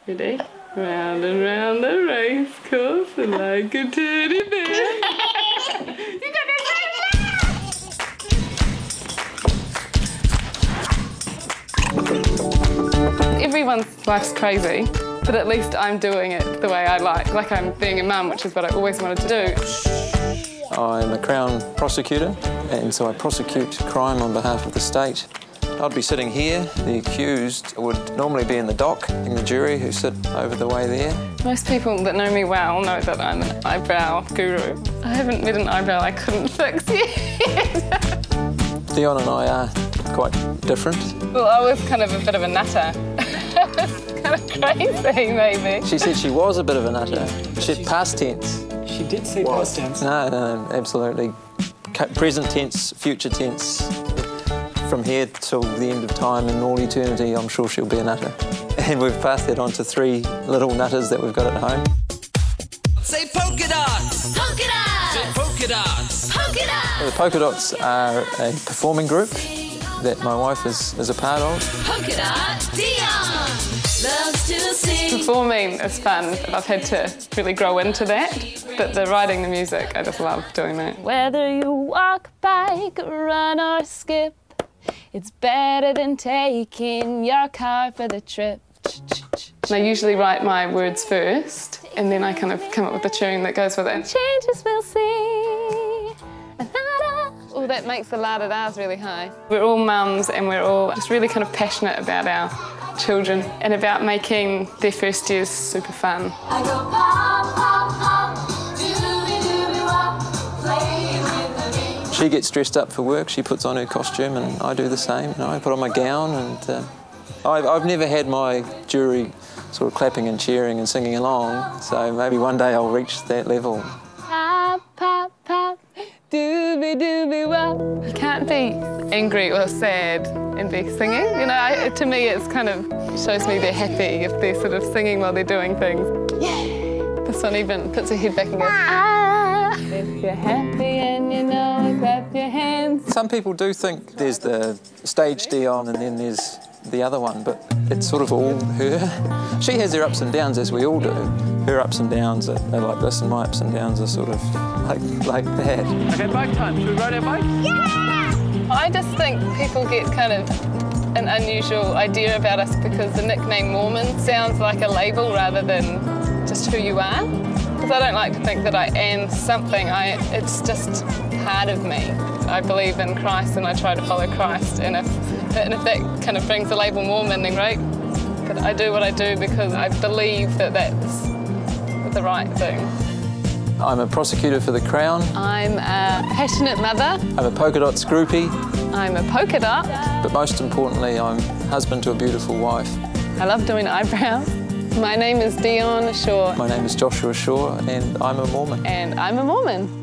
Ready? Round and round the race course like a teddy bear. You got this! Everyone's life's crazy, but at least I'm doing it the way I like. Like I'm being a mum, which is what I always wanted to do. I'm a Crown prosecutor, and so I prosecute crime on behalf of the state. I'd be sitting here. The accused would normally be in the dock, in the jury who sit over the way there. Most people that know me well know that I'm an eyebrow guru. I haven't met an eyebrow I couldn't fix yet. Dion and I are quite different. Well, I was kind of a bit of a nutter. I was kind of crazy, maybe. She said she was a bit of a nutter. She said past tense. She did say past tense. No, absolutely. Present tense, future tense. From here till the end of time and all eternity, I'm sure she'll be a nutter. And we've passed that on to 3 little nutters that we've got at home. Say polka dots! Polka dots! Say polka dots! Polka dots! The Polka Dots are a performing group that my wife is a part of. Polka dot! Dion loves to sing. Performing is fun. I've had to really grow into that. But the writing the music, I just love doing that. Whether you walk, bike, run or skip, it's better than taking your car for the trip. I usually write my words first, and then I kind of come up with a tune that goes with it. Changes we'll see. Oh, that makes the la-da-das really high. We're all mums, and we're all just really kind of passionate about our children and about making their first years super fun. I go pop, pop, pop, doobie-doobie-wop, play with the beat. She gets dressed up for work, she puts on her costume, and I do the same. You know, I put on my gown, and I've never had my jury sort of clapping and cheering and singing along, so maybe one day I'll reach that level. Pop, pop, pop, doobie-doobie-wop. You can't be angry or sad and be singing. You know, to me it's kind of shows me they're happy if they're sort of singing while they're doing things. Yeah. This one even puts her head back and goes, ah. If you're happy and you know it, clap your hands. Some people do think there's the stage Dion and then there's the other one, but it's sort of all her. She has her ups and downs, as we all do. Her ups and downs are like this, and my ups and downs are sort of like that. Okay, bike time. Should we ride our bike? Yeah! I just think people get kind of an unusual idea about us because the nickname Mormon sounds like a label rather than just who you are. Because I don't like to think that I am something. It's just part of me. I believe in Christ and I try to follow Christ, and if that kind of brings the label Mormon, then great. But I do what I do because I believe that that's the right thing. I'm a prosecutor for the Crown. I'm a passionate mother. I'm a Polka Dots groupie. I'm a polka dot. But most importantly, I'm husband to a beautiful wife. I love doing eyebrows. My name is Dion Shaw. My name is Joshua Shaw, and I'm a Mormon. And I'm a Mormon.